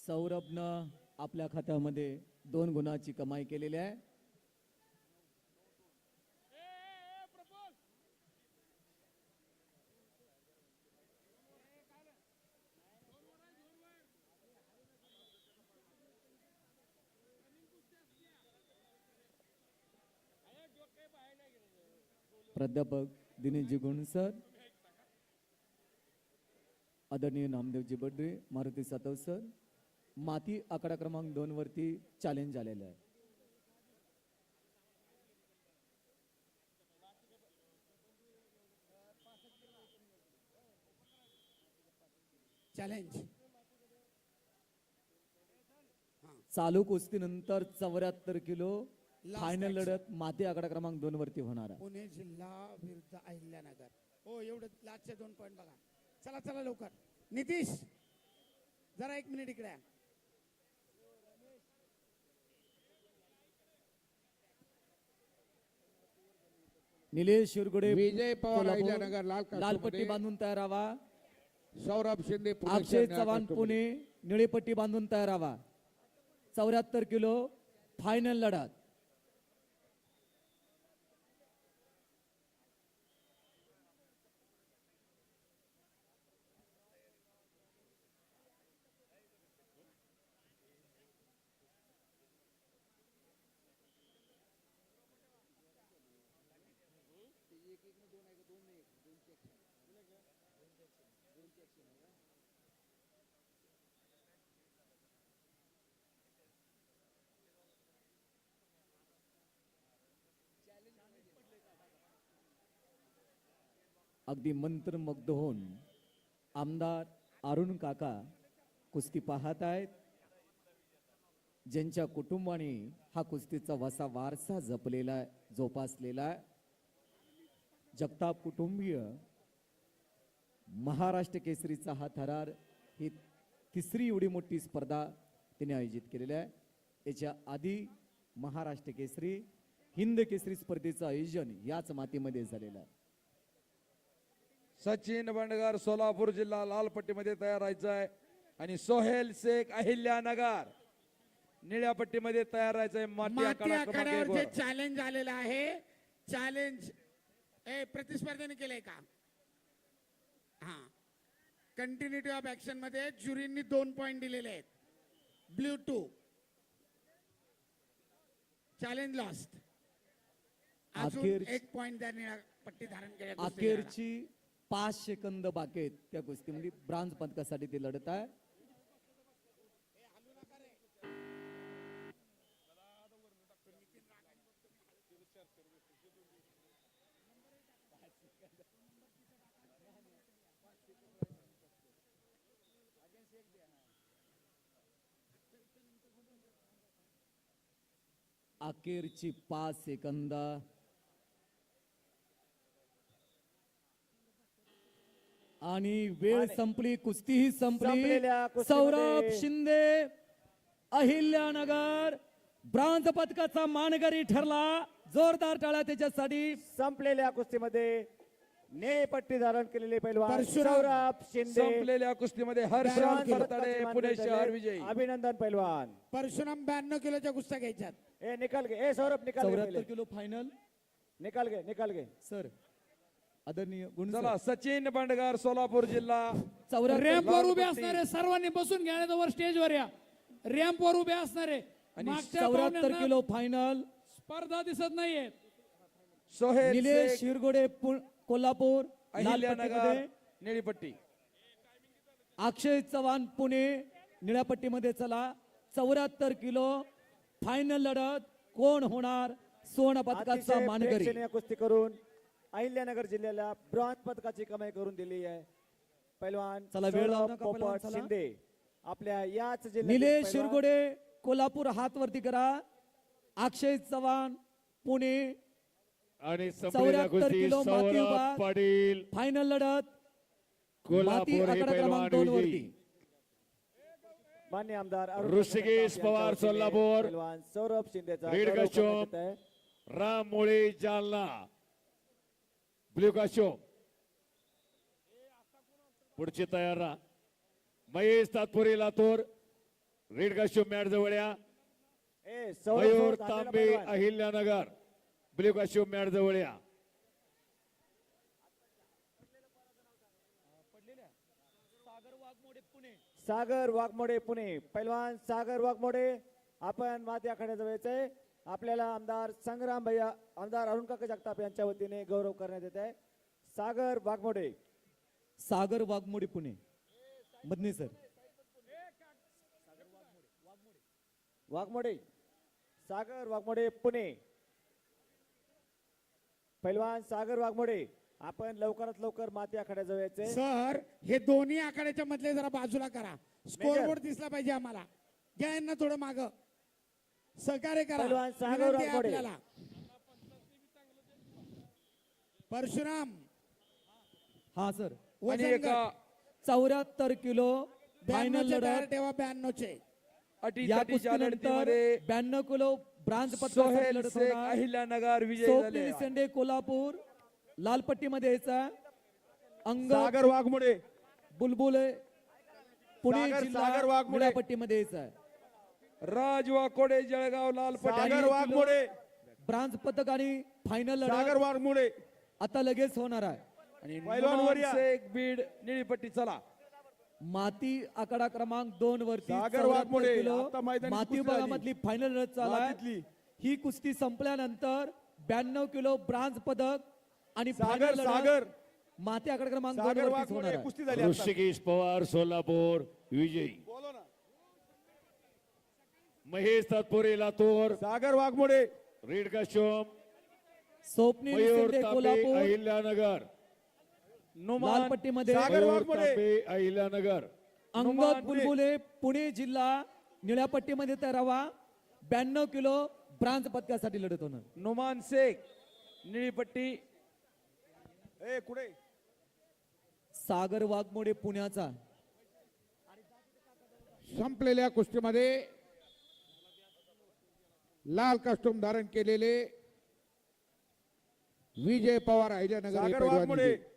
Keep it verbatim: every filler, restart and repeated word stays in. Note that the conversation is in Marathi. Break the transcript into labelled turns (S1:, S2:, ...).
S1: सौरभनं आपल्या खात्यामध्ये दोन गुणाची कमाई केलेली आहे. प्राध्यापक दिनेशजी गुण सर, आदरणीय नामदेवजी बडरे, मारुती सातव सर, माती आकडा क्रमांक दोन वरती चॅलेंज आलेलं आहे.
S2: चॅलेंज
S1: चालू कुस्तीनंतर चौऱ्याहत्तर किलो फायनल लढत माती आकडा क्रमांक दोन वरती होणार आहे.
S2: पुणे जिल्हा विरुद्ध अहिल्यानगर. हो एवढं लास्टचे दोन पॉईंट बघा. चला चला लवकर. नितीश जरा एक मिनिट इकडे.
S1: निलेश शिरगुडे
S3: विजय पवार अहिल्यानगर लाल
S1: लाल पट्टी बांधून तयार राहा.
S3: सौरभ शिंदे
S1: अक्षय चव्हाण पुणे निळी पट्टी बांधून तयार राहा. चौऱ्याहत्तर किलो फायनल लढत. अगदी मंत्रमुग्ध होऊन आमदार अरुण काका कुस्ती पाहत आहेत. ज्यांच्या कुटुंबाने हा कुस्तीचा वसा वारसा जपलेला आहे, जोपासलेला आहे. जगताप कुटुंबीय महाराष्ट्र केसरीचा हा थरार ही तिसरी एवढी मोठी स्पर्धा तिने आयोजित केलेली आहे. याच्या आधी महाराष्ट्र केसरी हिंद केसरी स्पर्धेचं आयोजन याच मातीमध्ये झालेलं आहे.
S4: सचिन बंडगर सोलापूर जिल्हा लाल पट्टीमध्ये तयार राहायचं आहे आणि सोहेल शेख अहिल्यानगर निळ्या पट्टीमध्ये तयार राहायचं आहे.
S2: माती आखाड्यावर जे चॅलेंज आलेलं आहे, चॅलेंज ए प्रतिस्पर्धेने केलंय का? हा, कंटिन्युटी ऑफ ऍक्शन मध्ये ज्युरींनी दोन पॉइंट दिलेले आहेत. Blue two challenge lost. अजून एक पॉइंट द्या निळ्या पट्टी धारण केल्या.
S1: अखेरची पाच सेकंद बाकी आहेत त्या कुस्तीमध्ये. ब्रांज पदकासाठी ते लढत आहे. अखेरची पाच सेकंद. आणि वेळ संपली, कुस्तीही संपली. सौरभ शिंदे अहिल्यानगर ब्रांज पदकाचा मानकरी ठरला. जोरदार टाळ्या त्याच्यासाठी.
S5: संपलेल्या कुस्तीमध्ये निळी पट्टी धारण केलेले पैलवान सौरभ शिंदे.
S4: संपलेल्या कुस्तीमध्ये हर्षराज फरताडे पुणे शहर विजयी.
S5: अभिनंदन पैलवान.
S2: परशुराम ब्याण्णव किलोच्या कुस्त्या घ्यायच्यात.
S5: ए निकाल घे. ए सौरभ निकाल घे.
S1: चौऱ्याहत्तर किलो फायनल
S5: निकाल घे. निकाल घे
S1: सर. आदरणीय गुण
S4: चला सचिन बंडगर सोलापूर जिल्हा.
S6: रॅम्पवर उभे असणारे सर्वांनी बसून घ्या. वर स्टेजवर या. रॅम्पवर उभे असणारे.
S1: चौऱ्याहत्तर किलो फायनल
S6: स्पर्धा दिसत नाहीये.
S4: सोहेल
S1: निलेश
S4: शेख
S1: शिरगोडे कोल्हापूर लाल
S4: अहिल्यानगर
S1: पट्टीमध्ये.
S4: निळी पट्टी.
S1: अक्षय चव्हाण पुणे निळ्या पट्टीमध्ये. चला चौऱ्याहत्तर किलो फायनल लढत कोण होणार स्वर्ण पदकाचा मानकरी.
S5: प्रेक्षणीय कुस्ती करून अहिल्यानगर जिल्ह्याला ब्रॉन्झ पदकाची कमाई करून दिली आहे पैलवान
S1: चला वेळ लावू
S5: सौरभ
S1: नका पैलवान,
S5: पोपट
S1: चला.
S5: शिंदे. आपल्या याच जिल्ह्यातील
S1: निलेश
S5: पैलवान
S1: शिरगोडे कोल्हापूर हात वरती करा. अक्षय चव्हाण पुणे
S7: आणि
S1: चौऱ्याहत्तर किलो माती विभाग
S7: पाटील
S1: फायनल लढत माती
S7: कोल्हापूर हे
S1: आकडा क्रमांक
S7: पैलवान
S1: दोन
S7: विजयी.
S1: वरती.
S5: मान्य आमदार अरुण
S7: ऋषिकेश
S5: यांच्या
S7: पवार
S5: वतीने
S7: सोलापूर.
S5: पैलवान सौरभ शिंदेचा
S7: रेड
S5: गौरव
S7: कस्टम
S5: करण्यात येत आहे.
S7: Ram Mole Jalna blue costume. पुढची तयार राहा. Mahesh Tatpure Latur red costume mat जवळ या.
S5: ए सौरभ
S7: मयूर
S5: सोड, थांबलेला
S7: तांबे
S5: पैलवान.
S7: अहिल्यानगर ब्ल्यू कास्ट्यूम मॅट जवळ या.
S5: सागर वाघमोडे पुणे. पैलवान सागर वाघमोडे आपण माती आखाड्याजवळ यायचंय. आपल्याला आमदार संग्राम भैया आमदार अरुण काका जगताप यांच्या वतीने गौरव करण्यात येत आहे. सागर वाघमोडे.
S1: सागर वाघमोडे पुणे मधने सर.
S5: वाघमोडे सागर वाघमोडे पुणे. पैलवान सागर वाघमोडे आपण लवकरात लवकर माती आखाड्याजवळ यायचंय.
S2: सर हे दोन्ही आखाड्याच्या मधले जरा बाजूला करा. स्कोर बोर्ड दिसला पाहिजे आम्हाला. घ्या यांना थोडं माग सहकार्य करा.
S5: पहिलवान सागर
S2: विनंती आहे
S5: वाघमोडे.
S2: आपल्याला. परशुराम
S1: हा सर.
S4: आणि
S2: वजन
S4: एका
S1: चौऱ्याहत्तर किलो फायनल
S2: ब्याण्णवचे तयार
S1: लढत.
S2: ठेवा ब्याण्णवचे.
S4: अटी
S1: या
S4: तटीच्या
S1: कुस्तीनंतर
S4: लढतीमध्ये
S1: ब्याण्णव किलो ब्रांज
S4: सोहेल
S1: पदकासाठी लढत
S4: शेख
S1: होणार.
S4: अहिल्यानगर विजयी
S1: स्वप्नील
S4: झाले.
S1: सेंडे कोल्हापूर लाल पट्टीमध्ये यायचा. अंग
S3: सागर वाघमोडे
S1: बुलबुल पुणे
S3: सागर-
S1: जिल्हा
S3: सागर वाघमोडे.
S1: निळ्या पट्टीमध्ये यायचा.
S4: राज वाकोडे जळगाव लाल पट्टी.
S3: सागर वाघमोडे
S1: ब्रांज पदक आणि फायनल
S3: सागर
S1: लढत
S3: वाघमोडे
S1: आता लगेच होणार आहे.
S4: आणि
S3: पैलवान
S4: नुमान
S3: वरिया.
S4: शेख बीड निळी पट्टी. चला
S1: माती आकडा क्रमांक दोन वरती
S3: सागर
S1: चौऱ्याहत्तर
S3: वाघमोडे.
S1: किलो
S3: आता मैदानी
S1: माती
S3: कुस्ती
S1: विभागामधली फायनल लढत चालू
S3: मातीतली.
S1: आहे. ही कुस्ती संपल्यानंतर ब्याण्णव किलो ब्रांज पदक आणि
S3: सागर
S1: final लढत
S3: सागर
S1: माती आकडा क्रमांक दोन
S3: सागर
S1: वरतीच होणार
S3: वाघमोडे
S1: आहे.
S3: कुस्ती झाली आता.
S7: ऋषिकेश पवार सोलापूर विजयी.
S3: बोलो ना.
S7: Mahesh Tatpure Latur
S3: Sagar Waghmode
S7: red costume.
S1: स्वप्नील
S7: मयूर
S1: शिंदे
S7: तांबे
S1: कोल्हापूर
S7: अहिल्यानगर.
S1: लाल
S4: नुमान
S1: पट्टीमध्ये
S3: सागर
S7: मयूर
S3: वाघमोडे.
S7: तांबे अहिल्यानगर.
S1: अंगद
S4: नुमान
S1: बुलबुले पुणे जिल्हा निळ्या पट्टीमध्ये तयारावा. ब्याण्णव किलो ब्रांज पदकासाठी लढत होणार.
S4: नुमान शेख निळी पट्टी.
S3: ए कुठे
S1: सागर वाघमोडे पुण्याचा.
S3: संपलेल्या कुस्तीमध्ये लाल कास्टूम धारण केलेले विजय पवार अहिल्यानगर हे
S8: सागर
S3: पैलवान
S8: वाघमोडे.
S3: विजयी.